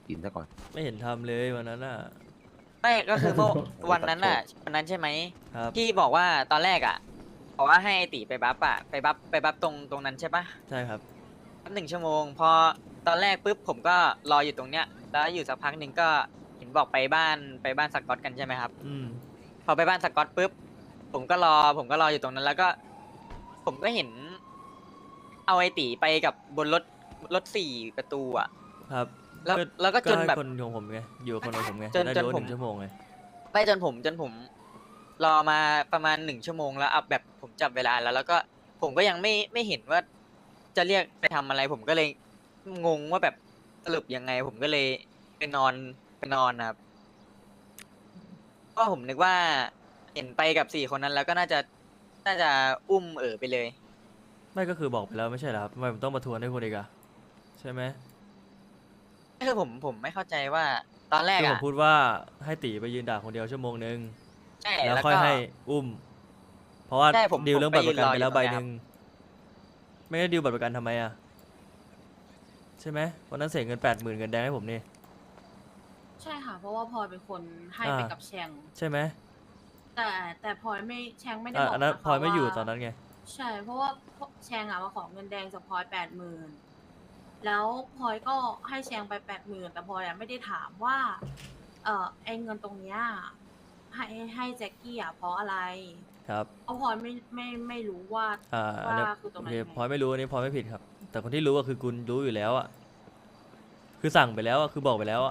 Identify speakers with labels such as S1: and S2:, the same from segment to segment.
S1: กินซะก่อน
S2: ไม่เห็นทำเลยวันนั้นอ่ะ
S3: ไม่ก็คือเมื่อ
S1: โอ้
S3: วันนั้นน่ะ
S1: ตัดโชว์
S3: วันนั้นใช่ไหม
S2: ครับ
S3: ที่บอกว่าตอนแรกอ่ะบอกว่าให้ไอ้ตีไปบัฟอ่ะไปบัฟตรงนั้นใช่ปะ
S2: ใช่ครับ
S3: บัฟ1 ชั่วโมงพอตอนแรกปุ๊บผมก็รออยู่ตรงเนี้ยแล้วอยู่สักพักหนึ่งก็เห็นบอกไปบ้านสกอตกันใช่ไหมครับ
S2: อืม
S3: พอไปบ้านสกอตปุ๊บผมก็รออยู่ตรงนั้นแล้วก็ ผมก็เห็น เอาไอตีไปกับบนรถ4 ประตูอ่ะ
S2: ครับ
S3: แล้วก็จน
S2: ให้
S3: แบบ
S2: คนของผมไงอยู่กับคนของผมไง
S3: จน
S2: ได้
S3: จน
S2: รู้
S3: ผม
S2: 1 ชั่วโมงไง
S3: ไปจนผมรอมาประมาณ1 ชั่วโมงแล้วเอาแบบผมจับเวลาแล้วก็ผมก็ยังไม่เห็นว่าจะเรียกไปทำอะไร ผมก็เลยงงว่าแบบสรุปยังไง ผมก็เลยไปนอนนะครับเพราะผมนึกว่าเห็นไปกับ4 คนนั้นแล้วก็น่าจะอุ้มไปเลย
S2: ไม่ก็คือบอกไปแล้วไม่ใช่เหรอครับทำไมผมต้องมาทวนให้คุณอีกอะใช่ไหม
S3: คือผมไม่เข้าใจว่าตอนแรก
S2: คือผ
S3: อ่ะ
S2: มพูดว่าให้ตีไปยืนด่าคนเดียวชั่วโมงนึง
S3: ใช่
S2: แล้ว
S3: แล้ว
S2: ค่อย
S3: ก็
S2: ให้อุ้ม เพราะว่า
S3: ใช่ผม
S2: ดีลเรื่องบัตรประกัน
S3: ผม
S2: ไป
S3: ไปยืนรออยู่
S2: แล้วใบ
S3: ตรงเนี้ย
S2: หนึ่งไม่ได้ดีลบัตรประกันทำไมอะใช่ไหมวันนั้นเสียเงิน80,000เงินแดงให้ผมนี่
S4: ใช่ค่ะ เพราะว่าพลอยเป็นคนให้
S2: อ่า
S4: ไปกับแชง
S2: ใช่ไหม
S4: แต่พลอยไม่แชงไม่ได้
S2: อ่ะ
S4: บอก
S2: อันนั้น
S4: นะคะ
S2: พลอยไม่อยู่
S4: ว่า
S2: ตอนนั้นไง
S4: ใช่ เพราะว่าแชงอะมาขอเงินแดงจากพลอย80,000แล้วพลอยก็ให้แชงไป80,000แต่พลอยอะไม่ได้ถามว่าไอเงินตรงเนี้ยให้แจ็คกี้อะเพราะอะไร
S2: ครับ
S4: เพราะพลอยไม่รู้ว่า
S2: อันนี้
S4: คือตรง
S2: โอ
S4: นั้น
S2: เค
S4: ยังไง
S2: พลอยไม่รู้อันนี้พลอยไม่ผิดครับ แต่คนที่รู้ก็คือคุณรู้อยู่แล้วอะคือสั่งไปแล้วอะคือบอกไปแล้วอะ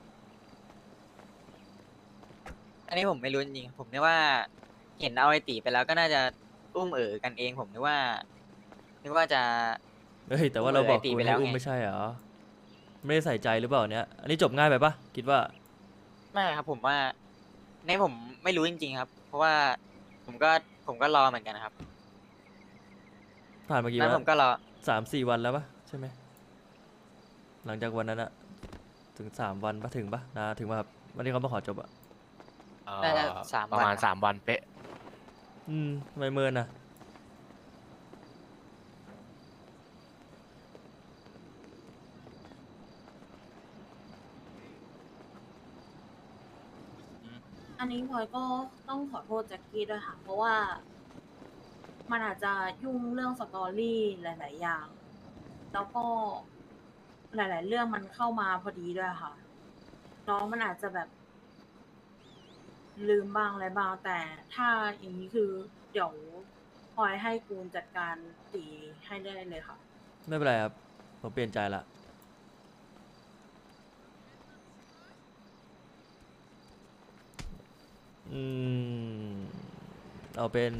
S3: อันนี้ผมไม่รู้จริงๆผมนึกว่าเห็นเอาไอตีไปแล้วก็น่าจะอุ้มกันเองผมนึกว่าจะ
S2: เฮ้ยแต่ว่าเราบอก
S3: ไอ้ตี
S2: คุณ
S3: ไปแล้
S2: ให้
S3: ว
S2: อุ้ม
S3: ไง
S2: ไม่ใช่เหรอไม่ได้ใส่ใจหรือเปล่าเนี้ยอันนี้จบง่ายไปปะคิดว่า
S3: ไม่ครับผมว่าในผมไม่รู้จริงๆครับ เพราะว่าผมก็รอเหมือนกันนะครับ
S2: ผ่านมากี่
S3: นั้
S2: วัน น
S3: ผมก็รอ
S2: 3-4 วันแล้วปะใช่ไหมหลังจากวันนั้นอะถึง3 วันปะถึงปะนะถึงปะครับวันที่เขามาขอจบอะ
S3: น่าจะ3
S1: ประมาณ
S3: วัน
S1: 3 วันเป๊ะ
S2: ทำไมเมินอะ
S4: อันนี้พลอยก็ต้องขอโทษแจ็คกี้ด้วยค่ะ เพราะว่ามันอาจจะยุ่งเรื่องสตอรี่หลาย ๆ อย่าง แล้วก็หลาย ๆ เรื่องมันเข้ามาพอดีด้วยค่ะ น้องมันอาจจะแบบลืมบ้างอะไรบ้าง แต่ถ้าอย่างนี้คือเดี๋ยวพลอยให้กูนจัดการตีให้ได้เลยค่ะ
S2: ไม่เป็นไรครับผมเปลี่ยนใจละเอาเป็น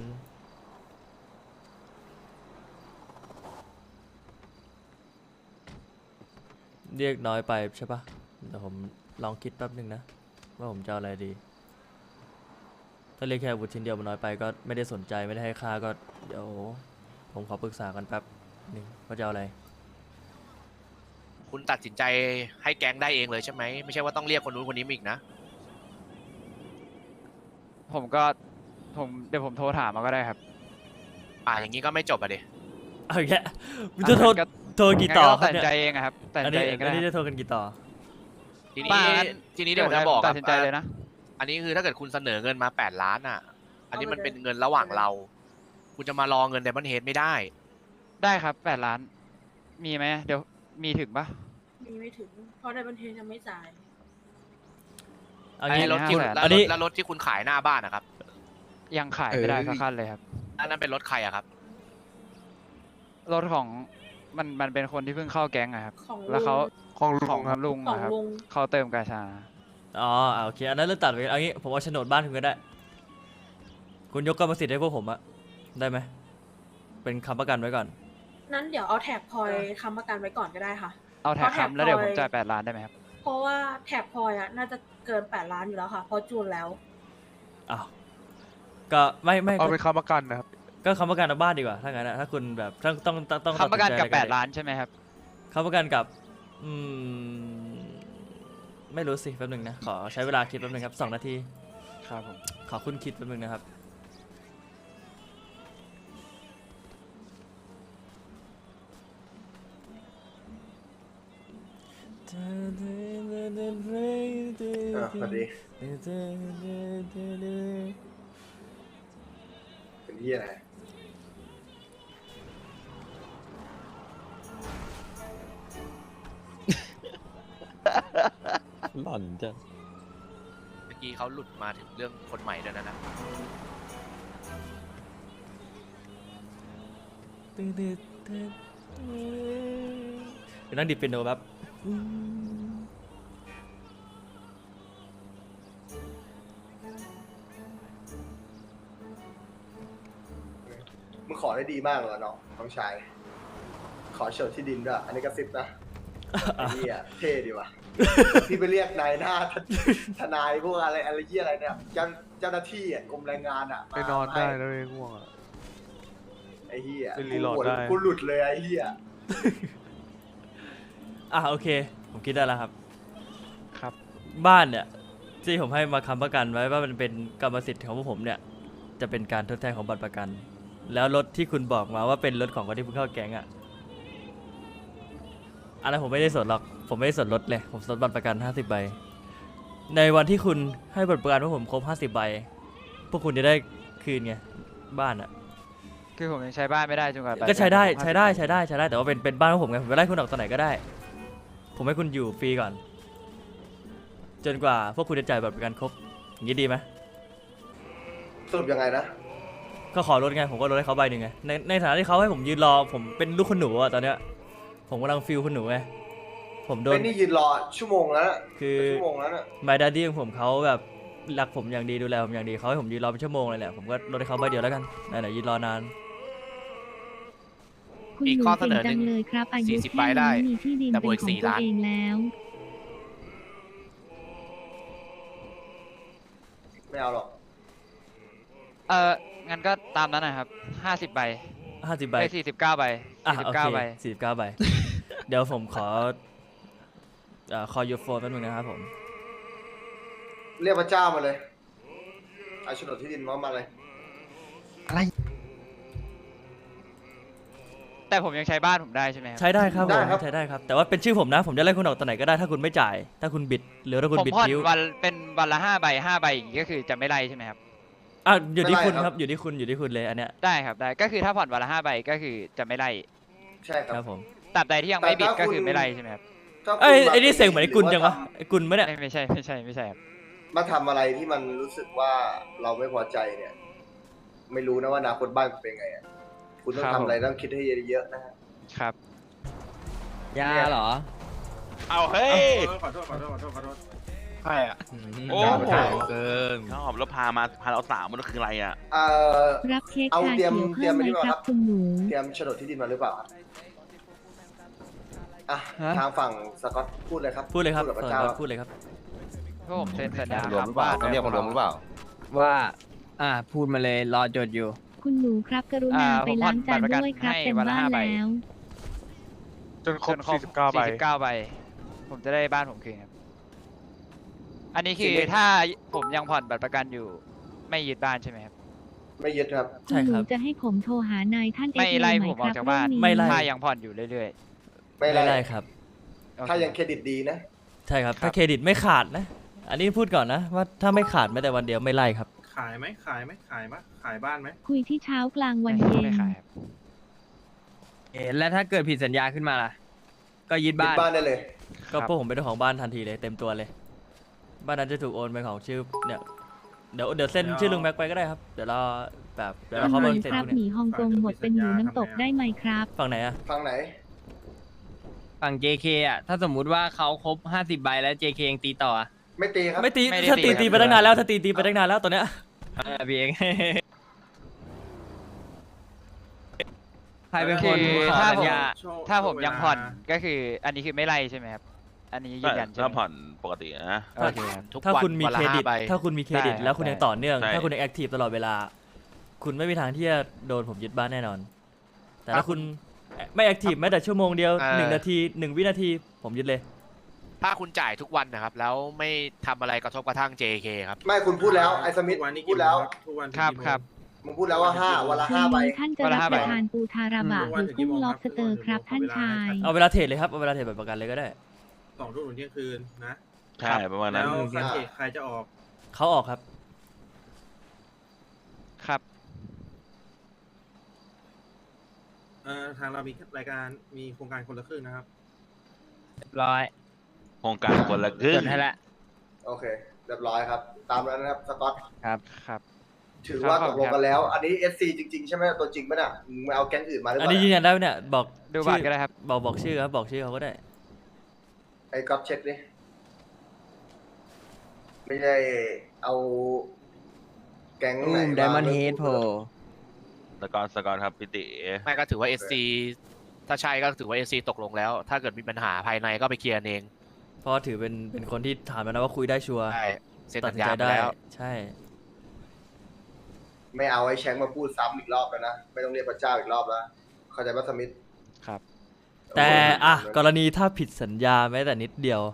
S2: เรียกน้อยไปใช่ปะแต่ผมลองคิดแป๊บนึงนะว่าผมจะเอาอะไรดีถ้าเรียกแค่อาวุธชิ้นเดียวมันน้อยไปก็ไม่ได้สนใจไม่ได้ให้ค่าก็เดี๋ยวผมขอปรึกษากันแป๊บนึงว่าจะเอาอะไร
S1: คุณตัดสินใจให้แก๊งได้เองเลยใช่ไหมไม่ใช่ว่าต้องเรียกคนนู้นคนนี้มาอีกนะ
S5: เดี๋ยวผมโทรถามมาก็ได้ครับ
S1: อย่างนี้ก็ไม่จบอ่ะดิ
S2: เอาอีกแล้วมึงจะโทร
S5: ก็
S2: โทรกี่ต่อครั
S5: ตั
S2: บ
S5: ดสิน
S2: เนี่ย
S5: ใจเองอะครับตัด
S2: อั
S5: สิ
S2: น
S5: นใจ
S2: นี้
S5: เองก็
S2: อัน
S5: ได้
S2: นี้
S5: ค
S2: จะ
S5: รับ
S2: โทรกันกี่ต่อ
S1: ทีนี้
S5: ป้างั้น
S1: ทีนี้เดี๋ยวผมจะบอก
S5: ตัดสินใจเลยนะ
S1: อันนี้คือถ้าเกิดคุณเสนอเงินมา8 ล้านอ่ะ อันนี้มันเป็นเงินระหว่างเรา คุณจะมารอเงินไดมอนเฮดไม่ได้
S5: ได้ครับ8 ล้าน มีไหมเดี๋ยวมีถึงปะ
S4: มีไม่ถึง เพราะในบันเทิงยังไม่จ่าย
S2: เอา
S1: ไอ้
S2: งี้
S1: รถที่
S5: คุณ
S1: แล้ว
S2: อันนี้
S1: แล้วรถที่คุณขายหน้าบ้านนะครับ
S5: ยังขายไม่ได้สักคันเลยครับ
S1: อันนั้นเป็นรถใครอะครับ
S5: รถของมันเป็นคนที่เพิ่งเข้าแก๊งอะครับ
S4: ของ
S5: แล้วเขา
S4: ลุง
S5: ของลุง
S4: ของ
S5: อะครับ
S4: ลุง
S5: เขาเติมกาชา
S2: อ๋อโอเคอันนั้นเรื่องตัดไปเอางี้ผมเอาโฉนดบ้านคุณก็ได้ คุณยกกรรมสิทธิ์ให้พวกผมอะได้ไหมเป็นคำประกันไว้ก่อน
S4: นั้นเดี๋ยวเอาแท็กพลอยค้ำประกันไว้ก่อนก็ได้ค่ะ
S5: เอาแท็ก
S4: เอาแท็ก
S5: ค้ำแล้วเดี๋ยว
S4: พ
S5: ผ
S4: ล
S5: ม
S4: อย
S5: จ่าย8 ล้านได้ไหมครับ
S4: เพราะว่าแท็กพลอยอะน่าจะเกิน8 ล้านอยู่แล้วค่ะเพราะจูนแล้ว
S2: อ้าวก็ไม่
S6: เอาเป็นค้ำประกันนะครับ
S2: ก็คำประกันเอาบ้านดีกว่าถ้างั้นอะถ้าคุณแบบต้อง
S5: ค้ำประกันกับ
S2: ตัดสิใจอไ
S5: 8 ล้านใช่ไหมครับ
S2: คำประกันกับไม่รู้สิแป๊บนึงนะขอใช้เวลาคิดแป๊บนึงครับ2 นาที
S5: ครับผม
S2: ขอคุณคิดแป๊บนึงนะครับ
S6: สวัสดีเป็นที่อะไร
S7: หล่อนจัง
S1: เมื่อกี้เขาหลุดมาถึงเรื่องคนใหม่ด้วยนะ
S2: เดี๋ยวนั่งดิดเปียโนแบบ
S6: มึงขอได้ดีมากเลยน้องชาย ขอโฉนดที่ดินด้วย อันนี้กระซิบนะไอ้เหี้ยเท่ดีว่ะ พี่ไปเรียกนายหน้าทนายพวกอะไรเหี้ยอะไรเนี่ยเจ้าหน้าที่อ่ะกรมแรงงานอ่ะ
S8: ไปนอนได้แล้วเองง่วงอ่ะ
S6: ไอ้เหี้ย
S8: ไปรีโหลดได้
S6: กูหลุดเลยไอ้เหี้ย
S2: โอเค ผมคิดได้แล้วครับ
S5: ครับ
S2: บ้านเนี่ยที่ผมให้มาค้ำประกันไว้ว่ามันเป็นกรรมสิทธิ์ของพวกผมเนี่ย จะเป็นการทดแทนของบัตรประกัน แล้วรถที่คุณบอกมาว่าเป็นรถของคนที่เพิ่งเข้าแก๊งอะอันนั้นผมไม่ได้สนหรอก ผมไม่ได้สนรถเลย ผมสนบัตรประกัน50 ใบ ในวันที่คุณให้บัตรประกันพวกผมครบ50 ใบ พวกคุณจะได้คืนไงบ้านอะ
S5: คือผมยังใช้บ้านไม่ได้จนกว่า
S2: ก็ใช้ได้แต่ว่าเป็นบ้านของผมไงผมจะไล่คุณออกตอนไหนก็ได้ ผมให้คุณอยู่ฟรีก่อน จนกว่าพวกคุณจะจ่ายบัตรประกันครบอย่างนี้ดีไหม
S6: สรุปยังไงนะ
S2: ก็ขอรถไงผมก็ลดให้เขาใบหนึ่งไงในฐานะที่เขาให้ผมยืนรอผมเป็นลูกคุณหนูอะตอนเนี้ยผมกำลังฟิลคุณหนูไงผมโดน
S6: เป็นนี่ยืนรอชั่วโมงแล้วน่ะ
S2: คือ
S6: ชั่วโมงแล้วน่ะ
S2: My Daddy ของผมเขาแบบรักผมอย่างดีดูแลผมอย่างดีเขาให้ผมยืนรอเป็นชั่วโมงเลยแหละผมก็ลดให้เขาใบเดียวแล้วกันไหนๆยืนรอนาน
S9: คุณ
S1: อีก
S9: หนู
S1: ข้อเสน
S9: เก่ง
S1: อหนึ่
S9: จั
S1: ง
S9: งเลยครับ อายุ
S1: 40
S9: แค่
S1: ใบได้
S9: นี้มีที่ดิน
S1: แต่
S9: เป็
S1: บ
S9: น
S1: วก
S9: ของ
S1: 4
S9: ตัว
S1: ล้าน
S9: เองแล้ว
S6: ไม่เอาหรอก
S5: งั้นก็ตามนั้นนะครับ50 ใบ
S2: 50 ใบ
S5: ไป49 ใบ
S2: โอเค
S5: 49 ใบ
S2: 49 ใบ เดี๋ยวผมขอcall your phone แป๊บนึงนะครับผม
S6: เรียกพระเจ้ามาเลยเอาโฉนดที่ดินมาเลย
S5: แต่ผมยังใช้บ้านผมได้ใช่ไหมครับ
S2: ใช้ได้ครับ
S6: ได้
S2: ผม
S6: ครับ
S2: ใช้ได้ครับ แต่ว่าเป็นชื่อผมนะ ผมจะไล่คุณออกตอนไหนก็ได้ถ้าคุณไม่จ่าย ถ้าคุณบิดหรือถ้าคุณ
S5: ผม
S2: บิด
S5: ผ่อน
S2: คิ้ว
S5: วันเป็นวันละ5 ใบ 5 ใบอย่างงี้ก็คือจะไม่ไล่ใช่ไหมครับ
S2: อยู่ที่คุณ
S6: ไม่ไล่
S2: ค
S6: ครั
S2: รับ
S6: บ
S2: อยู่ที่คุณเลยอันเนี้ย
S5: ได้ครับได้ก็คือถ้าผ่อนวันละ5 ใบก็คือจะไม่ไล่
S6: ใช่ค
S2: ค
S6: รั
S2: รั
S6: บบ
S2: ผม
S5: ตราบใดที่ยังไม่บิด
S6: แต่ถ้า
S5: ก็คือ
S6: คุณ
S5: ไม่ไล่ใช่ไหมครับ
S6: ถ้าคุณ
S2: ไอ้นี่เสียงเหมือนไอ้กุลจังวะไอ้กุลไหมเนี่ย
S5: ไม่ใช่ครับ
S6: มาทำอะไรที่มันรู้สึกว่าเราไม่พอใจเนี่ย ไม่รู้นะว่าอนาคตบ้านคุณเป็นไงอ่ะคุณต้อง
S5: ครับ
S6: ทำอะไร
S5: ผม
S6: ต้องคิดให้เยอะๆนะฮะ
S5: ครับ
S7: ยาเหรอ
S10: เอาเฮ้ย
S8: ขอโทษ
S10: ใช่อ่ะ
S7: โอ้
S10: โอ้
S7: โห
S10: โห
S7: เกิน
S10: ชอบแล้วพาเราสามมันคืออะไรอ่ะ
S9: รับเค้ก
S6: เอา
S9: ชา
S6: เตรียม
S9: เขียว
S6: เตรี
S9: เพิ่
S6: ยม
S9: ม ไหมค
S6: ไว้ดีกว่าครั
S9: รับบ คุณหนู
S6: เตรียมโฉนดที่ดินมาหรือเปล่าครับอ่ะ
S5: ฮะ
S6: ทางฝั่งสกอตพูดเลยครับ
S2: พูดเลยครับ
S6: กับพระเจ้า
S2: พูดเลยครับ
S5: พวกผมเซ็นสัญญาร
S7: วมหรือเปล่า
S5: บ้น
S7: ต้องเรียกคนรวมหรือเปล่า
S11: ว่าพูดมาเลยรอจดอยู่
S9: คุณหนูครับกรุณาไปล้างจานด้วยครับเต็มบ้านแล้ว
S8: จนครบ
S5: จนครบ
S8: 49 ใบ
S5: 49 ใบ ผมจะได้บ้านผมคืนครับ อันนี้คือถ้าผมยังผ่อนบัตรประกันอยู่ ไม่ยึดบ้านใช่ไหมครับ
S6: ไม่ยึดครับ
S9: คุณหนูจะให้ผมโทรหานายท่านเอ
S5: ไม่
S9: ฟ
S5: ไล่
S9: ไหม
S5: ผม
S9: ค
S5: ออก
S9: รับ
S5: จากบ้าน
S9: เรื่องนี้
S2: ไม่ไล่
S5: ถ้ายังผ่อนอยู่เรื่อย
S6: ไม่
S2: ไม่
S6: ไล่
S2: ได้ครับ
S5: ๆโอเค
S6: ถ้ายังเครดิตดีนะ
S2: ใช่ครับ ถ้าเครดิตไม่ขาดนะ อันนี้พูดก่อนนะว่าถ้าไม่ขาดแม้แต่วันเดียวไม่ไล่ครับ
S8: ขายบ้านไหม
S9: คุยที่เช้ากลางวัน
S5: ไม่
S9: เย็น
S5: ไม่ขายครับ
S11: แล้วถ้าเกิดผิดสัญญาขึ้นมาล่ะ ก็ยึด
S6: ยึ
S11: บ้า
S6: ด
S11: น
S6: บ้านได้เลย
S2: ก็พวกผมเป็นเจ้าของบ้านทันทีเลยเต็มตัวเลย บ้านนั้นจะถูกโอนเป็นของชื่อเนี่ยเดี๋ยวเซ็นชื่อลุงแม็กไปก็ได้ครับ เดี๋ยวเรา
S9: ทำ
S2: เขา
S9: ไม
S2: มาเซ็น
S9: ครับ
S2: พวก
S9: ห
S2: นี้
S9: มีฮ่องกงหมดเป็นหมูน้ำตกได้ไหมครับ
S2: ฝั่งไหนอะ
S6: ฝั่งไหน
S11: ฝั่ง JK ถ้าสมมุติว่าเขาครบ 50 ใบแล้ว JK ยังตีต่อ
S6: ไม่ตีครับ
S2: ไม่ตี
S5: ไม่ได้
S2: ถ้า
S5: ตี
S2: ตี
S5: ครับ
S2: ไปตั้งนานแล้วถ้าตีไปตั้งนานแล้วตอนเนี้ย
S11: พี่เอง ใครเป็นคน
S5: คือ
S11: ขอ
S5: ถ้า
S11: สัญญา
S5: ถ้าผมยังผ่อนก็คือ อันนี้คือไม่ไล่ใช่ไหมครับ อันนี้ยืนยันใช่ไหม
S10: ถ้าผ่อนปกตินะ
S5: โอเคครับ
S1: ทุก
S2: ถ้า
S1: วัน
S2: คุณมี
S1: วัน
S2: เค
S1: ละ
S2: รดิต
S1: 5 ใบ
S2: ถ้าคุณมีเครดิต
S5: ได้
S2: แล้วคุณยังต่อเนื่อง
S10: ใช่
S2: ถ้าคุณยังแอคทีฟตลอดเวลา คุณไม่มีทางที่จะโดนผมยึดบ้านแน่นอน แต่ถ้าคุณไม่แอคทีฟแม้แต่ชั่วโมงเดียว1 นาที 1 วินาทีผมยึดเลย
S1: ถ้าคุณจ่ายทุกวันนะครับ แล้วไม่ทำอะไรกระทบกระทั่ง JK ครับ
S6: ไม่คุณพูดแล้วไอ้สมิธพูดแล้ว
S5: ครับ
S6: มึงพูดแล้วว่าวันละ
S9: คืน
S6: 5 ใบ
S9: นี้ท่านจะรับประทานปูทาราบะหรือกุ้งล็อบสเตอร์ครับท่านชาย
S2: เอาเวลาเทรดเลยครับเอาเวลาเทรดแบบประกันเลยก็ได้
S8: 2 ทุ่มถึงเที่ยงคืนนะ
S10: ใช่ประมาณ
S8: แล้
S10: นั้น
S8: วคันเอกใครจะออก
S2: เขาออกครับ
S5: ครับ
S8: ทางเรามีรายการมีโครงการคนละครึ่งนะครับ
S11: เรียบร้อย
S10: โครงการคนละครึ่ง
S11: จดให้ละ
S6: โอเค เรียบร้อยครับ ตามนั้นนะครับสกอต
S11: ครับ
S5: ครับ
S6: ถือว่า
S5: ครับ
S6: ตกลงกันแล้ว อันนี้ SC จริง ๆ ใช่ไหมตัวจริงไหมน่ะมึงไม่เอาแก๊งอื่นมาหรือเป
S2: อัน
S6: ล่า
S2: นี้ยืนยันได้ไหมเนี่ยบอก
S5: ดูบัตรก็ได้ครับ
S2: บอกชื่อครับบอกชื่อเขาก็ได้
S6: ไอ้ก๊อฟเช็คดิไม่ได้เอาแก๊งไหนมา
S11: Diamond Head โผล่
S10: สกอร์ครับพี่ติ
S1: ไม่ก็ถือว่า SC ถ้าใช่ก็ถือว่า SC ตกลงแล้ว ถ้าเกิดมีปัญหาภายในก็ไปเคลียร์กันเอง
S2: เพราะถือเป็นคนที่ถามแล้วนะว่าคุยได้ชัวร์
S1: ใช่เซ็น
S2: ตัด
S1: สัญ
S2: สิน
S1: ญา
S2: ใจ
S1: ไป
S2: ได้
S1: แล้ว
S2: ใช่
S6: ไม่เอาไอ้แชงมาพูดซ้ำอีกรอบแล้วนะ ไม่ต้องเรียกพระเจ้าอีกรอบแล้ว เข้าใจป่ะสมิธ
S5: ครับ
S2: แต่กรณีถ้าผิดสัญญาแม้แต่นิดเดียว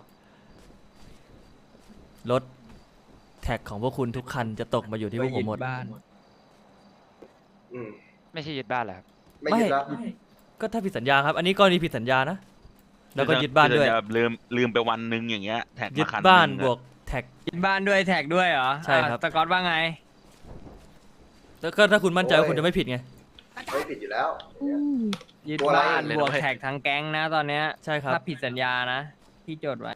S2: รถแท็กของพวกคุณทุกคันจะตกมาอยู่ที่พวกผมหมด
S11: บ้าน
S6: อืม
S5: ไม่ใช่ยึดบ้านเหรอครับ
S6: ไม่ยึดแล้ว
S2: ก็ถ้าผิดสัญญาครับ อันนี้กรณีผิดสัญญานะ แล้วก็ยึดบ้านด้วย
S10: ลืมไปวันนึงอย่างเงี้ยแท็ก
S2: ยึ
S10: มา
S2: ด
S10: คัน
S2: บ้าน
S10: หงอะ
S2: บวกแท็ก
S11: ยึดบ้านด้วยแท็กด้วยเหรอ
S2: ใช่ครับ
S11: สกอตว่าไง
S2: แล้วก็ถ้าคุณมั่นใจว่าคุณจะไม่ผิดไง
S6: ไม่ผิดอยู่แล้ว
S11: ยึด
S6: ตัวอะไร
S11: บ้านบวกแท็กทั้งแก๊งนะตอนเนี้ย
S2: ใช่ครับ
S11: ถ้าผิดสัญญานะที่จดไว้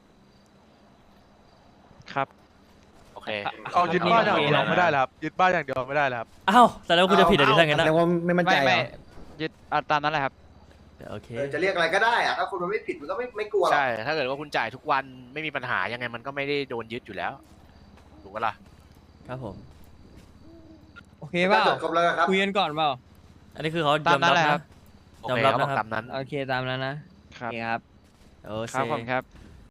S5: ครับ
S1: โอเค
S8: เอายึดบ้านอย่างเดียวไม่ได้แล้วครับ ยึดบ้านอย่างเดียวไม่ได้แล้วครับ
S2: อ้าวแต่แล้วคุณจะผิดอะไรทั้งนั้นนะ
S5: ไม่ยึดตามนั้นแหละครับ
S2: โอเค
S6: จะเรียกอะไรก็ได้อะถ้าคุณมันไม่ผิดมันก็ไม่กลัวหรอก
S1: ใช่ ถ้าเกิดว่าคุณจ่ายทุกวันไม่มีปัญหายังไงมันก็ไม่ได้โดนยึดอยู่แล้ว ถูกปะล่ะ
S2: ครับผม
S11: โอเคเปล่า
S6: จบครบแล้วครับ
S11: คุยกันก่อนเปล่า
S2: อันนี้คือเขา
S5: ตาย ม
S2: อม
S5: นั้น
S2: รับ
S5: แหละครั
S2: นะ
S5: บ
S1: โอ
S2: ยอม
S1: เค
S2: รับ
S1: เขาบอก
S2: นะครับ
S1: ตามนั้น
S11: โอเคตามนั้นนะครับ โอเคครับ
S2: โอเค
S5: ครับผมครับ